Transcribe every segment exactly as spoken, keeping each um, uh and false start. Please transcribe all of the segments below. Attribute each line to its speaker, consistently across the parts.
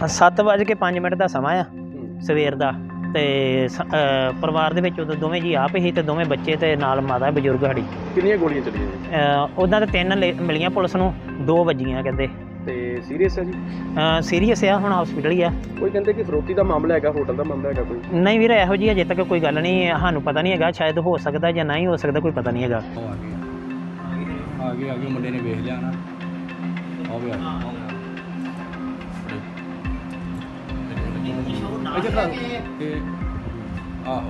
Speaker 1: ਸੱਤ ਵੱਜ ਕੇ ਪੰਜ ਮਿੰਟ ਦਾ ਸਮਾਂ ਆ ਸਵੇਰ ਦਾ ਤੇ ਪਰਿਵਾਰ ਦੇ ਵਿੱਚ ਉਦੋਂ ਦੋਵੇਂ ਜੀ ਆਪ ਹੀ ਤੇ ਦੋਵੇਂ ਬੱਚੇ ਤੇ ਨਾਲ ਮਾਤਾ ਬਜ਼ੁਰਗ ਸਾਡੀ।
Speaker 2: ਕਿੰਨੀਆਂ ਗੋਲੀਆਂ ਚੱਲੀਆਂ?
Speaker 1: ਉਹਨਾਂ ਦੇ ਤਿੰਨ ਮਿਲੀਆਂ ਪੁਲਿਸ ਨੂੰ, ਦੋ ਵੱਜੀਆਂ ਕਹਿੰਦੇ।
Speaker 2: ਤੇ ਸੀਰੀਅਸ ਹੈ ਜੀ?
Speaker 1: ਸੀਰੀਅਸ ਆ, ਹੁਣ ਹਸਪੀਟਲ ਹੀ ਆ। ਕੋਈ
Speaker 2: ਕਹਿੰਦੇ ਕਿ ਫਰੋਤੀ ਦਾ ਮਾਮਲਾ ਹੈਗਾ, ਹੋਟਲ ਦਾ ਮਾਮਲਾ ਹੈਗਾ ਕੋਈ?
Speaker 1: ਨਹੀਂ ਵੀਰ, ਇਹੋ ਜਿਹੀ ਅਜੇ ਤੱਕ ਕੋਈ ਗੱਲ ਨਹੀਂ, ਸਾਨੂੰ ਪਤਾ ਨਹੀਂ ਹੈਗਾ, ਸ਼ਾਇਦ ਹੋ ਸਕਦਾ ਜਾਂ ਨਹੀਂ ਹੋ ਸਕਦਾ, ਕੋਈ ਪਤਾ ਨਹੀਂ ਹੈਗਾ।
Speaker 3: ਆ ਗਏ ਆ ਗਏ ਮੁੰਡੇ ਨੇ ਵੇਖ ਲਿਆ ਨਾ, ਆ ਵੀ ਆ ਤੇ ਆਹੋ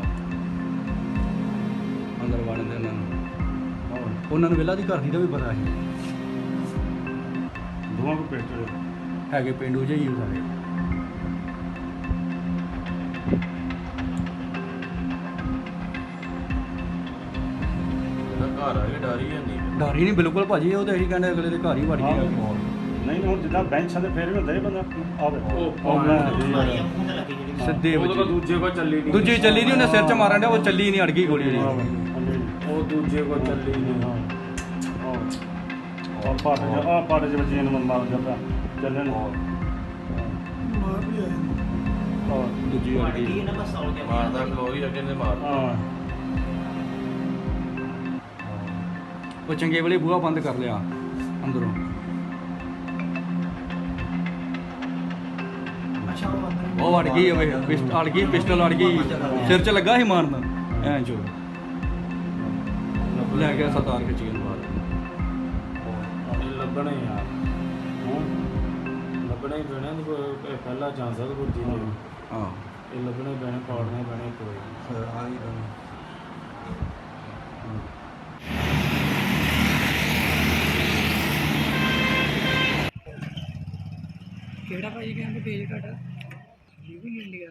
Speaker 3: ਅੰਦਰ ਵੜਨ ਦੇ ਉਹਨਾਂ ਨੂੰ ਉਹਨਾਂ ਨੂੰ ਵੇਲਾ ਦੀ ਘਰ ਦੀ ਦਾ ਵੀ ਪਤਾ ਸੀ। ਦੋਵਾਂ ਕੋ ਪਿੰਡ ਹੈਗੇ, ਪਿੰਡੂ ਜਿਹੇ ਹੀ ਸਾਰੇ।
Speaker 4: ਘਰ ਆ ਕੇ ਡਰ ਹੀ ਨਹੀਂ
Speaker 3: ਡਰ ਹੀ ਨਹੀਂ ਬਿਲਕੁਲ ਭਾਜੀ, ਉਹ ਤਾਂ ਇਹੀ ਕਹਿੰਦੇ ਅਗਲੇ ਦੇ ਘਰ ਹੀ ਵੜ ਗਏ।
Speaker 4: ਨਹੀਂ ਹੁਣ ਜਿੱਦਾਂ ਬੈਂਚਾਂ ਤੇ ਫੇਰ ਵੀ ਹੁੰਦਾ ਬੰਦਾ ਆਵੇ
Speaker 3: ਸਿੱਧੇ
Speaker 4: ਉਹ ਦੂਜੇ ਕੋ ਚੱਲੀ ਨਹੀਂ,
Speaker 3: ਦੂਜੀ ਚੱਲੀ ਨਹੀਂ, ਉਹਨੇ ਸਿਰ 'ਚ ਮਾਰਨ ਡਿਆ, ਉਹ ਚੱਲੀ ਨਹੀਂ, ਅੜ ਗਈ ਗੋਲੀ ਜੀ।
Speaker 4: ਉਹ ਦੂਜੇ ਕੋ ਚੱਲੀ ਨਹੀਂ।
Speaker 5: ਆ ਪਾਟ ਆ ਪਾਟ ਦੇ ਬੱਚੇ ਨੂੰ ਮਾਰ ਜਾਂਦਾ ਚੱਲਣ
Speaker 3: ਦੂਜੀ ਅੜ ਗਈ
Speaker 4: ਮਾਰਦਾ ਖਲੋਰੀ ਅੱਗੇ ਨੇ ਮਾਰ।
Speaker 5: ਹਾਂ
Speaker 3: ਉਹ ਚੰਗੇ ਵੇਲੇ ਬੂਹਾ ਬੰਦ ਕਰ ਲਿਆ ਅੰਦਰੋਂ। ਉਹ ਅੜ ਗਈ, ਹੋਵੇ ਅੜ ਗਈ, ਪਿਸਟਲ ਅੜ ਗਈ, ਸਿਰ 'ਚ ਲੱਗਾ ਸੀ ਮਾਰਨ, ਐਂ ਚੋ ਲੈ ਗਿਆ ਸਰਦਾਰ ਖਿੱਚ ਕੇ ਮਾਰ।
Speaker 4: ਲੱਗਣਾ ਹੀ ਯਾਰ, ਲੱਗਣਾ ਹੀ ਪੈਣਾ, ਪਹਿਲਾ ਚਾਂਸ ਹੈ ਗੁਰਜੀ ਨੇ।
Speaker 3: ਹਾਂ
Speaker 4: ਇਹ ਲੱਗਣਾ ਹੀ ਪੈਣਾ, ਪਾੜਨਾ ਹੀ ਪੈਣਾ ਕੋਈ ਆ ਹੀ ਪੈਣਾ।
Speaker 1: ਕਿਹੜਾ ਭਾਈ ਕਹਿੰਦੇ ਪੇਜ ਘਟਾ ਲੀਵ ਇਨ ਇੰਡੀਆ।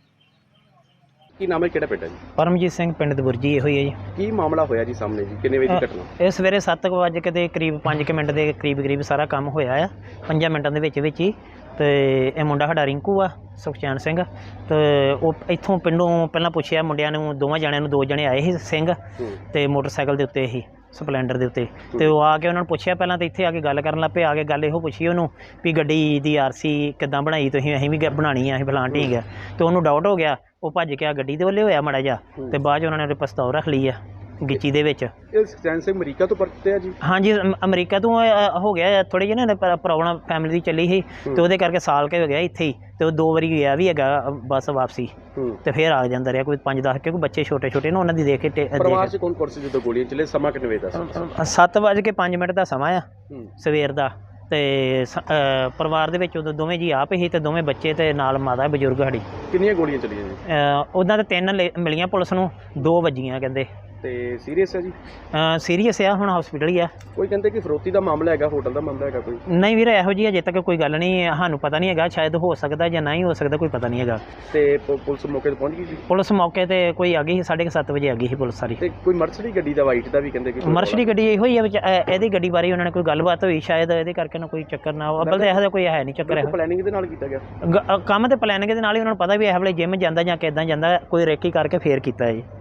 Speaker 2: ਕੀ ਨਾਮ ਹੈ, ਕਿਹੜਾ ਪਿੰਡ ਹੈ ਜੀ?
Speaker 1: ਪਰਮਜੀਤ ਸਿੰਘ, ਪਿੰਡ ਦਬੁਰਜੀ ਇਹੋ ਹੀ ਹੈ ਜੀ।
Speaker 2: ਕੀ ਮਾਮਲਾ ਹੋਇਆ ਜੀ ਸਾਹਮਣੇ ਜੀ, ਕਿੰਨੇ ਵਜੇ ਦੀ ਘਟਨਾ?
Speaker 1: ਇਹ ਸਵੇਰੇ ਸੱਤ ਕੁ ਵਜੇ ਕੇ ਕਰੀਬ ਪੰਜ ਕੁ ਮਿੰਟ ਦੇ ਕਰੀਬ ਕਰੀਬ ਸਾਰਾ ਕੰਮ ਹੋਇਆ ਆ, ਪੰਜਾਂ ਮਿੰਟਾਂ ਦੇ ਵਿੱਚ ਵਿੱਚ ਹੀ। ਤੇ ਇਹ ਮੁੰਡਾ ਸਾਡਾ ਰਿੰਕੂ ਆ, ਸੁਖਚੈਨ ਸਿੰਘ। ਤੇ ਉਹ ਇੱਥੋਂ ਪਿੰਡੋਂ ਪਹਿਲਾਂ ਪੁੱਛਿਆ ਮੁੰਡਿਆਂ ਨੂੰ, ਦੋਵਾਂ ਜਣਿਆਂ ਨੂੰ, ਦੋ ਜਣੇ ਆਏ ਸੀ ਸਿੰਘ ਤੇ ਮੋਟਰਸਾਈਕਲ ਦੇ ਉੱਤੇ ਹੀ, ਸਪਲੈਂਡਰ ਦੇ ਉੱਤੇ। ਤੇ ਉਹ ਆ ਕੇ ਉਹਨਾਂ ਨੂੰ ਪੁੱਛਿਆ ਪਹਿਲਾਂ, ਤਾਂ ਇੱਥੇ ਆ ਕੇ ਗੱਲ ਕਰਨ ਲੱਗ ਪਏ। ਆ ਕੇ ਗੱਲ ਇਹੋ ਪੁੱਛੀ ਉਹਨੂੰ ਵੀ ਗੱਡੀ ਦੀ ਆਰ ਸੀ ਕਿੱਦਾਂ ਬਣਾਈ ਤੁਸੀਂ? ਅਸੀਂ ਵੀ ਬਣਾਉਣੀ ਆ, ਅਸੀਂ ਫਲਾਣ ਢੀਂਗ ਆ। ਤੇ ਉਹਨੂੰ ਡਾਊਟ ਹੋ ਗਿਆ, ਉਹ ਭੱਜ ਕੇ ਆ ਗੱਡੀ ਦੇ ਵੱਲੇ ਹੋਇਆ ਮਾੜਾ ਜਿਹਾ, ਤੇ ਬਾਅਦ 'ਚ ਉਹਨਾਂ ਨੇ ਉਹਦੇ ਪਿਸਤੌਲ ਰੱਖ ਲਈ ਆ ਗਿੱਚੀ ਦੇ ਵਿੱਚ।
Speaker 2: ਇਹ ਸੁਖਚੈਨ ਸਿੰਘ ਅਮਰੀਕਾ ਤੋਂ ਪਰਤੇ ਆ ਜੀ?
Speaker 1: ਹਾਂਜੀ, ਅਮਰੀਕਾ ਤੋਂ ਹੋ ਗਿਆ, ਥੋੜ੍ਹੀ ਜਿਹੀ ਨਾ ਪ੍ਰੋਬਲਮ ਫੈਮਿਲੀ ਦੀ ਚੱਲੀ ਸੀ, ਤੇ ਉਹਦੇ ਕਰਕੇ ਸਾਲ ਕੇ ਹੋ ਗਿਆ ਇੱਥੇ ਹੀ। ਤੇ ਉਹ ਦੋ ਵਾਰੀ ਗਿਆ ਵੀ ਹੈਗਾ ਬੱਸ ਵਾਪਸੀ, ਤੇ ਫਿਰ ਆ ਜਾਂਦਾ ਰਿਹਾ ਕੋਈ ਪੰਜ ਦਸ, ਕਿਉਂਕਿ ਬੱਚੇ ਛੋਟੇ ਛੋਟੇ ਨੇ, ਉਹਨਾਂ ਦੀ ਦੇਖ ਕੇ।
Speaker 2: ਪਰਿਵਾਰ 'ਚ ਕੌਣ ਕੌਣ ਸੀ ਜਦੋਂ ਗੋਲੀਆਂ ਚੱਲੇ? ਸਮਾਂ ਕਿੰਨੇ ਵਜੇ ਦਾ?
Speaker 1: ਸੱਤ ਵੱਜ ਕੇ ਪੰਜ ਮਿੰਟ ਦਾ ਸਮਾਂ ਆ ਸਵੇਰ ਦਾ। ਤੇ ਪਰਿਵਾਰ ਦੇ ਵਿੱਚ ਉਦੋਂ ਦੋਵੇਂ ਜੀ ਆਪ ਹੀ ਤੇ ਦੋਵੇਂ ਬੱਚੇ ਤੇ ਨਾਲ ਮਾਤਾ ਬਜ਼ੁਰਗ ਸਾਡੀ।
Speaker 2: ਕਿੰਨੀਆਂ ਗੋਲੀਆਂ ਚੱਲੀਆਂ ਜੀ?
Speaker 1: ਉਹਨਾਂ ਦੇ ਤਿੰਨ ਮਿਲੀਆਂ ਪੁਲਿਸ ਨੂੰ, ਦੋ ਵੱਜੀਆਂ ਕਹਿੰਦੇ।
Speaker 2: ਤੇ ਸੀਰੀਅਸ ਹੈ ਜੀ?
Speaker 1: ਸੀਰੀਅਸ ਆ, ਹੁਣ ਹਸਪੀਟਲ ਹੀ ਆ।
Speaker 2: ਕੋਈ ਕਹਿੰਦੇ ਕਿ ਫਰੋਤੀ ਦਾ ਮਾਮਲਾ ਹੈਗਾ, ਹੋਟਲ ਦਾ ਮਾਮਲਾ ਹੈਗਾ ਕੋਈ?
Speaker 1: ਨਹੀਂ ਵੀਰ, ਇਹੋ ਜਿਹੀ ਅਜੇ ਤੱਕ ਕੋਈ ਗੱਲ ਨਹੀਂ, ਸਾਨੂੰ ਪਤਾ ਨਹੀਂ ਹੈਗਾ, ਸ਼ਾਇਦ ਹੋ ਸਕਦਾ ਜਾਂ ਨਹੀਂ ਹੋ ਸਕਦਾ, ਕੋਈ ਪਤਾ ਨਹੀਂ ਹੈਗਾ।
Speaker 2: ਤੇ ਪੁਲਿਸ ਮੌਕੇ ਤੇ ਪਹੁੰਚ ਗਈ ਜੀ?
Speaker 1: ਪੁਲਿਸ ਮੌਕੇ ਤੇ ਕੋਈ ਆ ਗਈ ਸੀ, ਸਾਢੇ ਕੁ ਸੱਤ ਵਜੇ ਆ ਗਈ ਸੀ ਪੁਲਿਸ ਸਾਰੀ।
Speaker 2: ਤੇ ਕੋਈ ਮਰਸਡੀ ਗੱਡੀ ਦਾ, ਵਾਈਟ ਦਾ ਵੀ ਕਹਿੰਦੇ ਕਿ
Speaker 1: ਮਰਸਡੀ ਗੱਡੀ ਇਹੋ ਹੀ ਆ ਵਿੱਚ। ਇਹਦੀ ਗੱਡੀ ਬਾਰੇ ਉਹਨਾਂ ਨੇ ਕੋਈ ਗੱਲਬਾਤ ਹੋਈ, ਸ਼ਾਇਦ ਇਹਦੇ ਕਰਕੇ ਨਾ ਕੋਈ ਚੱਕਰ ਨਾ ਹੋ। ਅੱਬਲ ਤਾਂ ਇਹੋ ਜਿਹਾ ਕੋਈ ਹੈ ਨਹੀਂ ਚੱਕਰ। ਇਹੋ
Speaker 2: ਪਲੈਨਿੰਗ ਦੇ ਨਾਲ ਕੀਤਾ ਗਿਆ
Speaker 1: ਕੰਮ ਤੇ ਪਲੈਨਿੰਗ ਦੇ ਨਾਲ ਹੀ, ਉਹਨਾਂ ਨੂੰ ਪਤਾ ਵੀ ਇਹ ਵੇਲੇ ਜਿੰਮ ਜਾਂਦਾ ਜਾਂ ਕਿੱਦਾਂ ਜਾਂਦਾ, ਕੋਈ ਰੇਕੀ ਕਰਕੇ ਫੇਰ ਕੀਤਾ ਜੀ।